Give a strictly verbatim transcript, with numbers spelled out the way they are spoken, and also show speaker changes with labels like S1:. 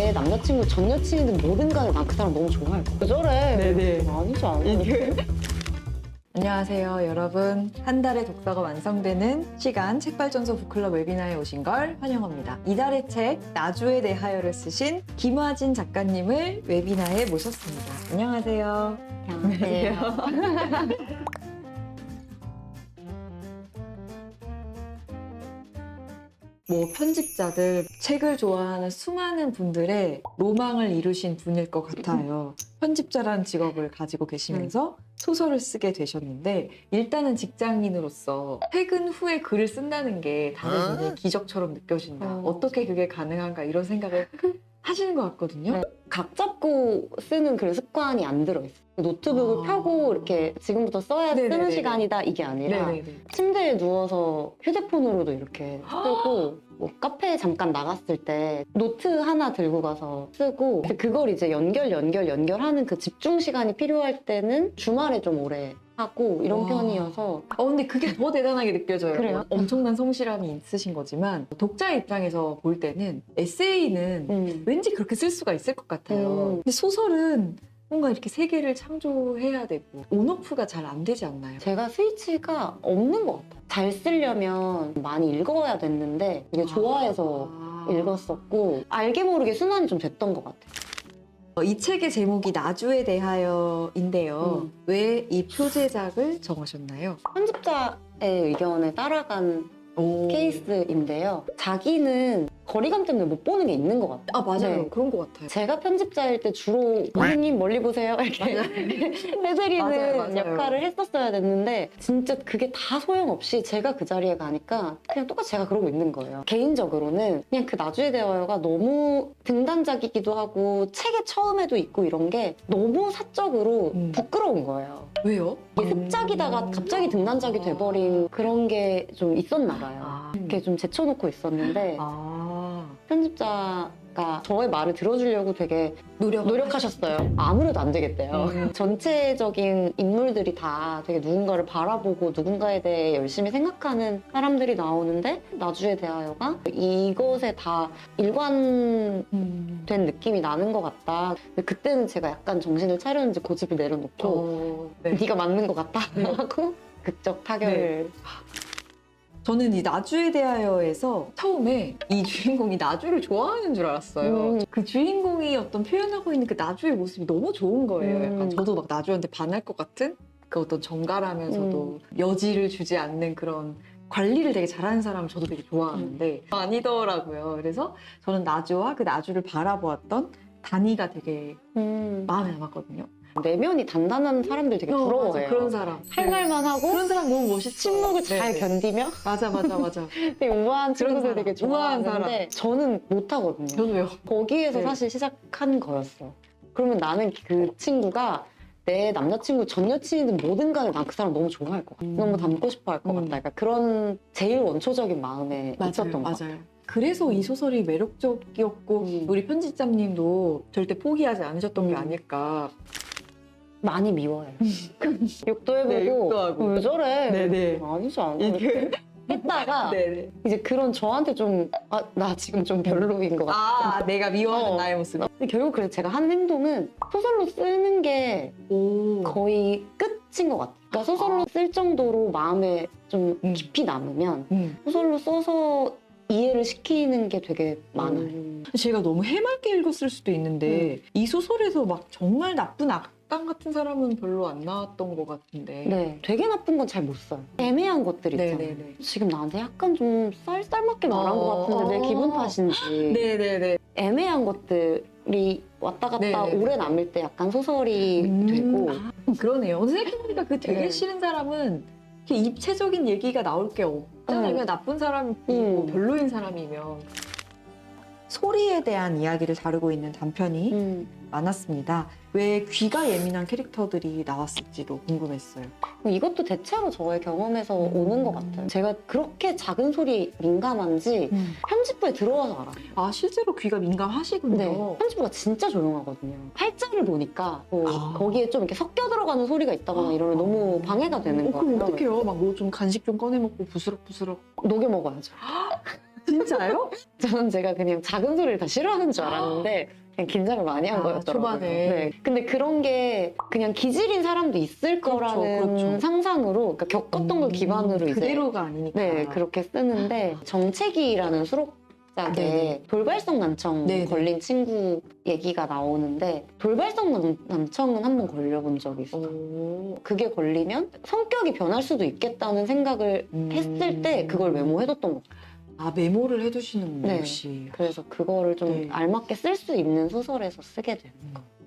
S1: 내 남자친구, 전 여친이든 뭐든 간에 난 그 사람 너무 좋아할 거야. 왜 저래?
S2: 네네.
S1: 아니지, 아니지.
S2: 안녕하세요, 여러분. 한 달에 독서가 완성되는 시간 책발전소 북클럽 웨비나에 오신 걸 환영합니다. 이달의 책 나주에 대하여를 쓰신 김화진 작가님을 웨비나에 모셨습니다. 안녕하세요.
S1: 안녕하세요.
S2: 뭐 편집자들, 책을 좋아하는 수많은 분들의 로망을 이루신 분일 것 같아요. 편집자라는 직업을 가지고 계시면서 소설을 쓰게 되셨는데, 일단은 직장인으로서 퇴근 후에 글을 쓴다는 게 다른 분의 기적처럼 느껴진다.
S1: 어.
S2: 어떻게 그게 가능한가 이런 생각을 하시는 것 같거든요.
S1: 네. 각 잡고 쓰는 그 습관이 안 들어있어. 노트북을
S2: 아.
S1: 펴고 이렇게 지금부터 써야 쓰는
S2: 네네네네.
S1: 시간이다 이게 아니라
S2: 네네네.
S1: 침대에 누워서 휴대폰으로도 이렇게 쓰고 뭐 카페에 잠깐 나갔을 때 노트 하나 들고 가서 쓰고 근데 그걸 이제 연결 연결 연결하는 그 집중 시간이 필요할 때는 주말에 좀 오래 하고 이런
S2: 와.
S1: 편이어서
S2: 어, 근데 그게 더 대단하게 느껴져요.
S1: 그래요?
S2: 엄청난 성실함이 있으신 거지만 독자 입장에서 볼 때는 에세이는
S1: 음.
S2: 왠지 그렇게 쓸 수가 있을 것 같아요.
S1: 음.
S2: 근데 소설은 뭔가 이렇게 세계를 창조해야 되고 온오프가 잘 안 되지 않나요?
S1: 제가 스위치가 없는 것 같아요. 잘 쓰려면 많이 읽어야 됐는데 이게 좋아해서
S2: 아.
S1: 읽었었고 알게 모르게 순환이 좀 됐던 것 같아요.
S2: 어, 이 책의 제목이 나주에 대하여인데요.
S1: 음.
S2: 왜 이 표제작을 정하셨나요?
S1: 편집자의 의견에 따라간
S2: 오.
S1: 케이스인데요. 자기는 거리감 때문에 못 보는 게 있는 것 같아요.
S2: 아, 맞아요.
S1: 네.
S2: 그런 것 같아요.
S1: 제가 편집자일 때 주로 선생님 멀리 보세요 이렇게 해드리는
S2: 맞아요, 맞아요.
S1: 역할을 했었어야 됐는데 진짜 그게 다 소용없이 제가 그 자리에 가니까 그냥 똑같이 제가 그러고 있는 거예요. 개인적으로는 그냥 그 나주에 대하여가 너무 등단작이기도 하고 책의 처음에도 있고 이런 게 너무 사적으로
S2: 음.
S1: 부끄러운 거예요.
S2: 왜요?
S1: 이게 습작이다가 갑자기 등단작이 돼버린 그런 게 좀 있었나 봐요.
S2: 아.
S1: 이렇게 좀 제쳐놓고 있었는데
S2: 아.
S1: 편집자가 저의 말을 들어주려고 되게
S2: 노력
S1: 노력하셨어요. 아무래도 안 되겠대요.
S2: 음.
S1: 전체적인 인물들이 다 되게 누군가를 바라보고 누군가에 대해 열심히 생각하는 사람들이 나오는데 나주에 대하여가 이것에 다 일관된
S2: 음.
S1: 느낌이 나는 것 같다. 근데 그때는 제가 약간 정신을 차렸는지 고집을 내려놓고
S2: 어, 네.
S1: 네가 맞는 것 같다 하고 극적 타결을
S2: 저는 이 나주에 대하여에서 처음에 이 주인공이 나주를 좋아하는 줄 알았어요.
S1: 음.
S2: 그 주인공이 어떤 표현하고 있는 그 나주의 모습이 너무 좋은 거예요.
S1: 음.
S2: 약간 저도 막 나주한테 반할 것 같은 그 어떤 정갈하면서도 여지를 주지 않는 그런 관리를 되게 잘하는 사람을 저도 되게 좋아하는데 아니더라고요. 그래서 저는 나주와 그 나주를 바라보았던 다니가 되게
S1: 음.
S2: 마음에 남았거든요.
S1: 내면이 단단한 사람들 되게
S2: 어,
S1: 부러워해요.
S2: 맞아, 그런 사람.
S1: 할
S2: 네.
S1: 말만 하고
S2: 그런 사람 너무 멋있어.
S1: 침묵을 잘
S2: 네, 네.
S1: 견디며
S2: 맞아, 맞아, 맞아.
S1: 되게 우아한
S2: 그런
S1: 친구들
S2: 사람.
S1: 되게
S2: 우아한
S1: 좋아하는데 저는 못하거든요.
S2: 저도요.
S1: 거기에서
S2: 네.
S1: 사실 시작한 거였어. 그러면 나는 그 친구가 내 남자친구, 전 여친이든 뭐든 간에 난 그 사람 너무 좋아할 것 같아.
S2: 음.
S1: 너무 닮고 싶어 할 것
S2: 음.
S1: 같다. 그러니까 그런 제일 원초적인 마음에 있었던 것 같아.
S2: 맞아요. 그래서 이 소설이 매력적이었고
S1: 음.
S2: 우리 편집자님도 절대 포기하지 않으셨던 게
S1: 음.
S2: 아닐까.
S1: 많이 미워요. 욕도 해보고
S2: 네, 욕도 하고.
S1: 어, 왜 저래?
S2: 네네.
S1: 아니지 않아.
S2: 이게
S1: 했다가
S2: 네네.
S1: 이제 그런 저한테 좀 아, 나 지금 좀 별로인 것 같아.
S2: 아, 내가 미워하는
S1: 어.
S2: 나의 모습.
S1: 근데 결국 그래서 제가 한 행동은 소설로 쓰는 게
S2: 오.
S1: 거의 끝인 것 같아요. 그러니까 소설로 쓸 정도로 마음에 좀
S2: 음.
S1: 깊이 남으면
S2: 음.
S1: 소설로 써서 이해를 시키는 게 되게 많아요.
S2: 음. 제가 너무 해맑게 읽었을 수도 있는데 이 소설에서 막 정말 나쁜 악당 같은 사람은 별로 안 나왔던 것 같은데.
S1: 네, 되게 나쁜 건 잘 못 써요. 애매한 것들 있잖아요.
S2: 네네네.
S1: 지금 나한테 약간 좀 쌀쌀맞게 말한
S2: 어,
S1: 것 같은데 내
S2: 어.
S1: 기분 탓인지
S2: 네네네.
S1: 애매한 것들이 왔다 갔다
S2: 네네네.
S1: 오래 남을 때 약간 소설이
S2: 음.
S1: 되고
S2: 아, 그러네요. 생각해보니까 그 되게
S1: 네.
S2: 싫은 사람은 이렇게 입체적인 얘기가 나올 게 없잖아요.
S1: 음.
S2: 그냥 나쁜 사람이고
S1: 음.
S2: 별로인 사람이면. 소리에 대한 이야기를 다루고 있는 단편이
S1: 음.
S2: 많았습니다. 왜 귀가 예민한 캐릭터들이 나왔을지도 궁금했어요.
S1: 이것도 대체로 저의 경험에서
S2: 음.
S1: 오는 것 같아요. 제가 그렇게 작은 소리에 민감한지 편집부에 들어와서 알아요.
S2: 아, 실제로 귀가 민감하시군요.
S1: 네, 편집부가 진짜 조용하거든요. 팔자를 보니까 뭐
S2: 아.
S1: 거기에 좀 이렇게 섞여 들어가는 소리가 있다거나 이러면 너무 방해가 되는
S2: 어, 그럼
S1: 거예요.
S2: 어떡해요? 막 뭐 좀 간식 좀 꺼내 먹고 부스럭부스럭.
S1: 녹여 먹어야죠.
S2: 진짜요?
S1: 저는 제가 그냥 작은 소리를 다 싫어하는 줄 알았는데 그냥 긴장을 많이 한
S2: 아,
S1: 거였더라고요.
S2: 초반에.
S1: 네. 근데 그런 게 그냥 기질인 사람도 있을
S2: 그렇죠,
S1: 거라는
S2: 그렇죠.
S1: 상상으로 그러니까 겪었던 걸
S2: 음,
S1: 기반으로 이제
S2: 그대로가 아니니까.
S1: 네, 그렇게 쓰는데 정체기라는 수록작에
S2: 네네.
S1: 돌발성 난청
S2: 네네.
S1: 걸린 친구 얘기가 나오는데 돌발성 난, 난청은 한 번 걸려본 적이 있어요.
S2: 오.
S1: 그게 걸리면 성격이 변할 수도 있겠다는 생각을
S2: 음.
S1: 했을 때 그걸 메모해뒀던 것 같아요.
S2: 아, 메모를 해두시는군요,
S1: 네.
S2: 역시.
S1: 그래서 그거를 좀
S2: 네.
S1: 알맞게 쓸 수 있는 소설에서 쓰게 되는 거.